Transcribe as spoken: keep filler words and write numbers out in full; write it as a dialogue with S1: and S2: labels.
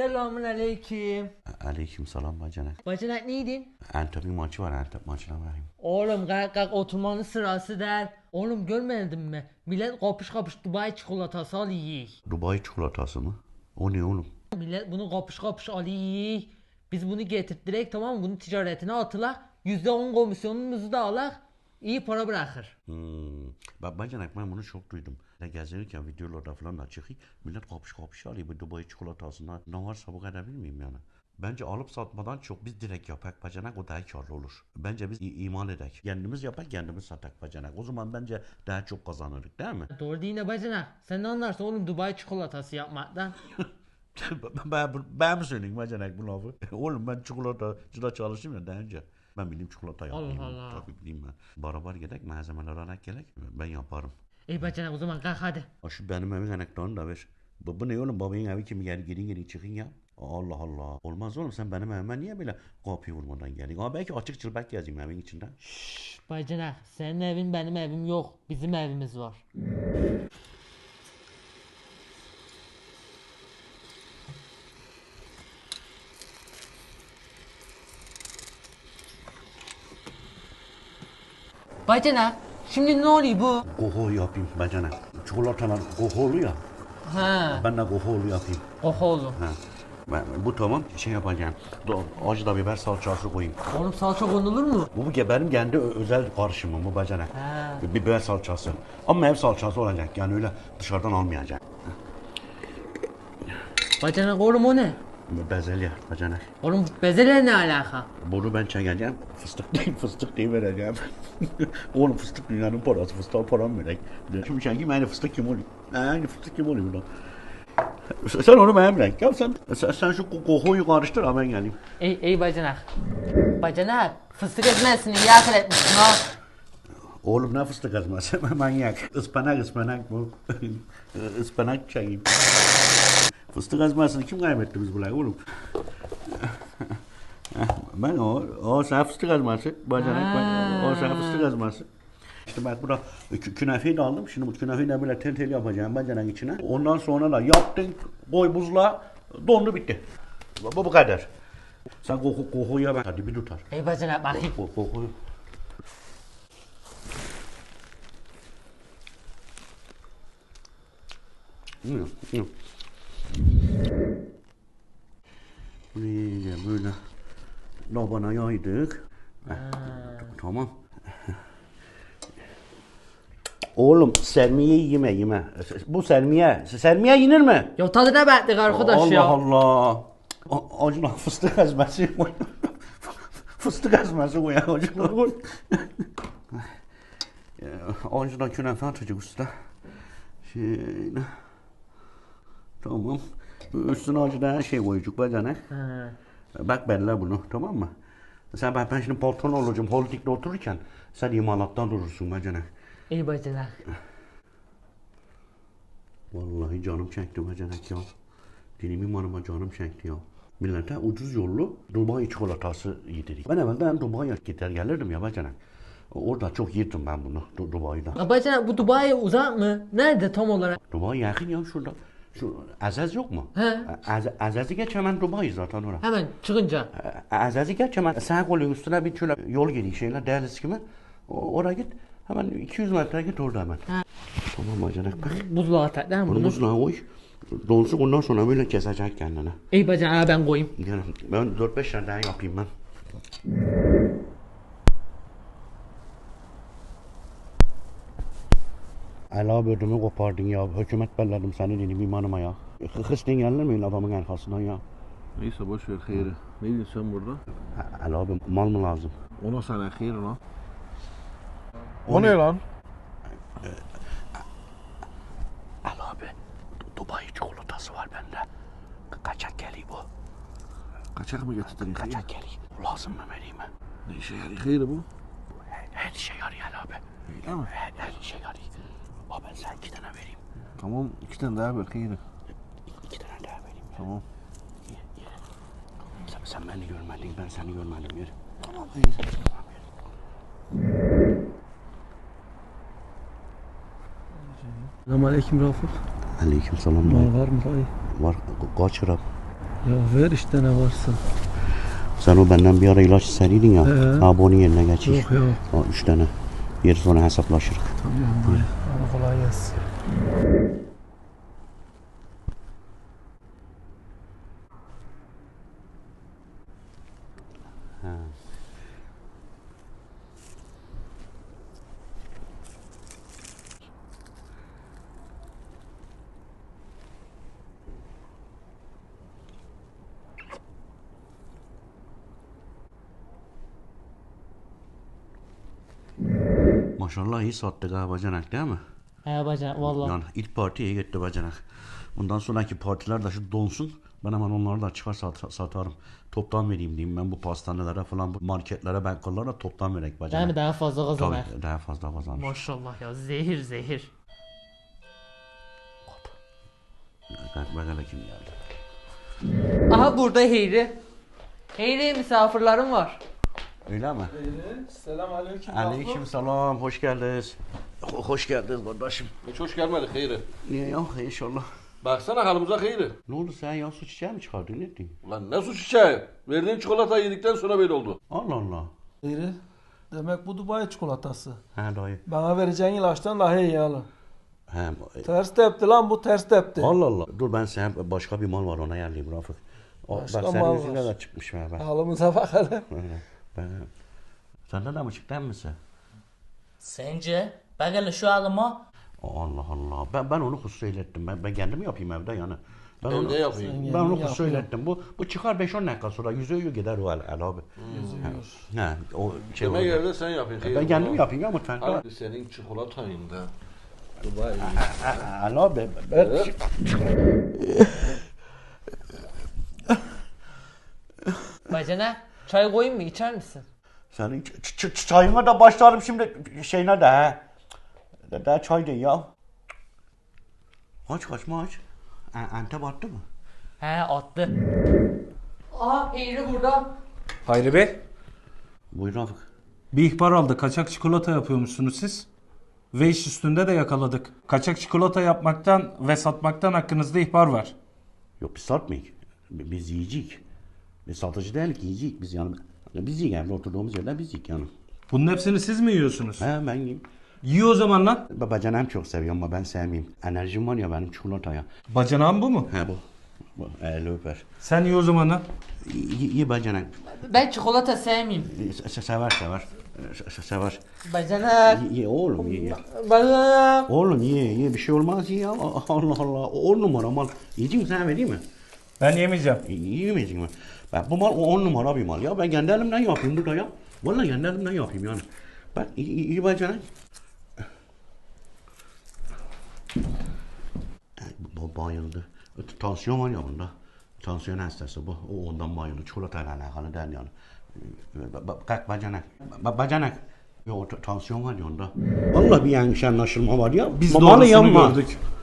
S1: Selamun aleyküm.
S2: Aleyküm selam bacanak.
S1: Bacanak neydin?
S2: Antep'in maçı var, Antep maçına varayım.
S1: Oğlum kalk kalk oturmanın sırası der. Oğlum görmedin mi? Millet kapış kapış Dubai çikolatası alıyor.
S2: Dubai çikolatası mı? O ne oğlum?
S1: Millet bunu kapış kapış alıyor. Biz bunu getirttirek, tamam mı? Bunun ticaretine atılak. yüzde on komisyonumuzu da alak. İyi para bırakır.
S2: Hmm. Bak bacanak, ben bunu çok duydum. Ne gezerken videolarda falan da çıkıyor. Millet kapış kapış alıyor bu Dubai çikolatasından. Ne varsa bu kadar bilmeyeyim yani. Bence alıp satmadan çok biz direkt yapak bacanak, o daha karlı olur. Bence biz imal edek. Kendimiz yapak, kendimiz satak bacanak. O zaman bence daha çok kazanırız, değil mi?
S1: Doğru değil ne bacanak? Sen ne anlarsın oğlum Dubai çikolatası yapmaktan?
S2: ben, ben mi söyleyeyim bacanak bu lafı? Oğlum ben çikolatacıda çalıştım ya daha önce. Ben bileyim çikolata yapayım.
S1: Allah Allah.
S2: Tabii bileyim ben. Barabar gerek, malzemeler anak gerek. Ben yaparım.
S1: İyi bacanak o zaman kalk hadi.
S2: Ha şu benim evin anahtarını da ver. Bu, bu ne oğlum, babanın evi kimi geri geri geri çıkın ya. Allah Allah. Olmaz oğlum, sen benim evime niye böyle kapıyı vurmadan geldin? Ama belki açık çılbak gezeyim evin içinde.
S1: Şşş bacanak, senin evin benim evim yok. Bizim evimiz var. Bacanak, şimdi ne oluyor bu?
S2: Goho yapayım bacanak. Çikolatalar goholu ya.
S1: Ha,
S2: Ben de goholu yapayım.
S1: oho oğlum.
S2: Ha. Ben, bu tamam, şey yapacağım. Do, acı da biber salçası koyayım.
S1: Oğlum salça konulur mu?
S2: Bu, bu benim kendi ö- özel karışımım bu bacanak.
S1: Ha.
S2: Biber salçası. Ama ev salçası olacak, yani öyle dışarıdan almayacak.
S1: Bacanak oğlum o ne?
S2: Bezelye bacanak.
S1: Oğlum bezeler ne alaka?
S2: Bunu ben çekeceğim. Fıstık değil, fıstık değil vereceğim. Oğlum fıstık dünyanın parası, fıstığa param verek. Şimdi çekeyim, aynı fıstık kim oluyor? Aynı fıstık kim oluyor lan? Sen onu benim renk yap sen. Sen, sen şu kokuyu karıştır ha, ben geleyim.
S1: Ey ey bacanak. Bacanak fıstık ezmesini iyi akıl etmişsin ha.
S2: Oğlum ne fıstık ezmesi, manyak. Ispanak ıspanak bu. Ispanak çekeyim. Fıstık ezmesini kim kaybetti biz buraya oğlum? Ben o, o sen fıstık ezmesi, bacanak, ben, o sen fıstık ezmesi. İşte bak burada kü- künefeyi de aldım. Şimdi bu künefeyi de böyle tel tel yapacağım bacanak içine. Ondan sonra da yaptın, koy buzluğa, dondu bitti. Bu, bu kadar. Sen koku kokuya bak, hadi bir tutar.
S1: Ey bacanak bakayım.
S2: Koku kokuyu. Hmm, hmm. Buraya böyle labana yaydık. Heh, tamam. Oğlum sermiye yeme yeme. Bu sermiye. Sermiye yenir mi?
S1: Ya tadına baktık arkadaş
S2: Allah
S1: ya.
S2: Allah. A- Acına fıstık ezmesi koy. Fıstık ezmesi koy. Acına koy. Acına künefe atacak usta. Şöyle. Tamam. Üstüne acıda her şey koyacak bacanak.
S1: Ha.
S2: Bak belli bunu, tamam mı? Sen ben, ben şimdi patron olacağım holdingde otururken sen imalattan durursun bacanak.
S1: Ey bacanak.
S2: Vallahi canım çekti bacanak ya. Benim imanıma canım çekti ya. Millete ucuz yollu Dubai çikolatası yedirik. Ben evvelden Dubai'ye gider gelirdim ya bacanak. Orada çok yedim ben bunu Du- Dubai'de.
S1: Ya bacanak bu Dubai'ye uzak mı? Nerede tam olarak?
S2: Dubai yakın ya şurada. Şu Azaz yok mu?
S1: He.
S2: Az, Azaz'ı geç hemen Dubai zaten orada.
S1: Hemen çıkınca.
S2: Azaz'ı geç hemen sağ kolun üstüne bir şöyle yol geliyor şeyler deniz gibi. O- Oraya git. Hemen iki yüz metre git orada hemen.
S1: Ha.
S2: Tamam bacanak bak.
S1: Buzluğa tak değil mi
S2: Bunu
S1: bunu?
S2: buzluğa koy. Donsun, ondan sonra böyle kesecek kendini.
S1: Ey bacanak ben koyayım.
S2: Yani ben dört beş tane daha yapayım ben. Ela bödümü kopardın ya. Hükümet belledim seni benim imanıma ya. Hırsın gelir mi adamın arkasından ya?
S3: Neyse boş ver hayırı. Ne diyorsun sen burada?
S2: Ela abi mal mı lazım?
S3: Ona sana hayır lan. O ne lan?
S2: Ela abi Dubai çikolatası var bende. Kaçak geliyor bu.
S3: Kaçak mı getirdin?
S2: Kaçak geliyor. Lazım mı vereyim mi?
S3: Ne işe yarıyor hayırı bu?
S2: Her, her şey yarıyor Ela abi.
S3: Öyle mi?
S2: Her, her şey yarıyor. Abi ben sana iki tane vereyim.
S3: Tamam iki tane daha ver hayırı.
S2: İki tane daha vereyim.
S3: Tamam.
S2: Ye, ye. Sen, sen beni görmedin, ben seni görmedim yer.
S3: Tamam hayır.
S4: Selamünaleyküm Rafık.
S2: Aleyküm selam.
S4: Mal var mı dayı?
S2: Var, ka- kaç lira?
S3: Ya ver işte ne varsa.
S2: Sen o benden bir ara ilaç istediydin ya.
S3: He.
S2: Ha bunu yerine geçir.
S3: Yok yok.
S2: O üç tane. Yeri sonra hesaplaşırız.
S3: Tamam dayı. Hadi kolay gelsin.
S2: Maşallah iyi sattık ha bacanak değil mi?
S1: He bacana vallahi.
S2: Yani ilk parti iyi gitti bacanak. Bundan sonraki partiler de şu donsun. Ben hemen onları da çıkar sat- satarım. Toptan vereyim diyeyim ben bu pastanelere falan, bu marketlere, bankalara toptan verek bacanak.
S1: Değil mi daha fazla kazanar.
S2: Tabii daha fazla kazanır.
S1: Maşallah ya zehir zehir.
S2: Bak bakalım kim geldi.
S1: Aha burada Heyri. Heyri misafirlerim var.
S2: Öyle mi?
S3: Selam aleyküm.
S2: Aleyküm selam, hoş geldiniz. Ho- hoş geldiniz kardeşim.
S4: Hiç hoş gelmedik Hayri.
S2: Niye ya inşallah.
S4: Baksana halımıza Hayri.
S2: Ne oldu sen ya, su çiçeği mi çıkardın, ne diyorsun?
S4: Ulan ne su çiçeği? Verdiğin çikolatayı yedikten sonra böyle oldu.
S2: Allah Allah.
S5: Hayri, demek bu Dubai çikolatası.
S2: He dayı.
S5: Bana vereceğin ilaçtan daha iyi yalı.
S2: He.
S5: Ters tepti lan bu ters tepti.
S2: Allah Allah. Dur ben sen başka bir mal var ona yerliyim Rafık. O,
S5: Başka
S2: bak senin
S5: mal
S2: yüzüne
S5: var.
S2: de çıkmış be ben.
S5: Halımıza bak hele.
S2: ben. Senden de mi çıktı misin?
S6: Sence? Bak hele şu halıma.
S2: Allah Allah. Ben ben onu husus söylettim. Ben ben kendim yapayım evde yani. Ben onu,
S4: Evde yapayım.
S5: Sen
S2: ben
S5: kendin
S2: onu husus
S5: yapıyorsun.
S2: söylettim. Bu bu çıkar beş on dakika sonra yüzüğü gider o el, el abi. He. He. O şey
S4: Demek
S2: oldu.
S4: evde sen yapayım Hayri.
S2: Ben kendim yapayım ya mutfakta.
S4: Hadi senin çikolatayın da. Dubai.
S2: El abi. Ben,
S1: Bacana çay koyayım mı içer misin?
S2: senin ç- ç- ç- çayına da başlarım şimdi şeyine de he. De, de çay değil ya. Aç kaçma aç. E, Antep attı mı?
S1: He attı. Aha Heyri burada.
S7: Hayri Bey,
S2: Buyur Rafık.
S7: bir ihbar aldık. Kaçak çikolata yapıyormuşsunuz siz. Ve iş üstünde de yakaladık. Kaçak çikolata yapmaktan ve satmaktan hakkınızda ihbar var.
S2: Yok biz satmayız. Biz yiyecek. Biz satıcı değiliz, yiyecek biz yani. Biz yiyik evde oturduğumuz yerden biz yiyik yani.
S7: Bunun hepsini siz mi yiyorsunuz?
S2: He ben yiyeyim.
S7: Yiyor o zaman lan.
S2: Babacan hem çok seviyorum ama ben sevmeyeyim. Enerjim var ya benim çikolataya.
S7: Bacanağın bu mu?
S2: He bu. Bu eli öper.
S7: Sen yiyor o zaman lan.
S2: İyi, iyi bacanak.
S1: Ben çikolata sevmeyeyim.
S2: Se- Sever sever. Se- Sever.
S1: Bacana.
S2: Ye, ye oğlum ye ye.
S1: Bacana.
S2: Oğlum ye ye bir şey olmaz ye ya. Allah Allah. On numara mal. Yiyecek misin sen vereyim mi?
S7: Ben yemeyeceğim.
S2: Yiyemeyecek mi? Bak bu mal o on numara bir mal ya. Ben kendi elimden yapayım burada ya. Vallahi kendi elimden yapayım yani. Bak iyi, iyi, iyi bacanak. Bu bayıldı. Tansiyon var ya bunda. Tansiyon hastası bu. O ondan bayıldı. Çikolatayla alakalı değil yani. Ba- ba- Kalk bacanak. Ba- Bacanak. Yo t- tansiyon var ya onda. Vallahi bir yanlış anlaşılma var ya.
S7: Biz
S2: Malı
S7: doğrusunu
S2: yanma.
S7: gördük.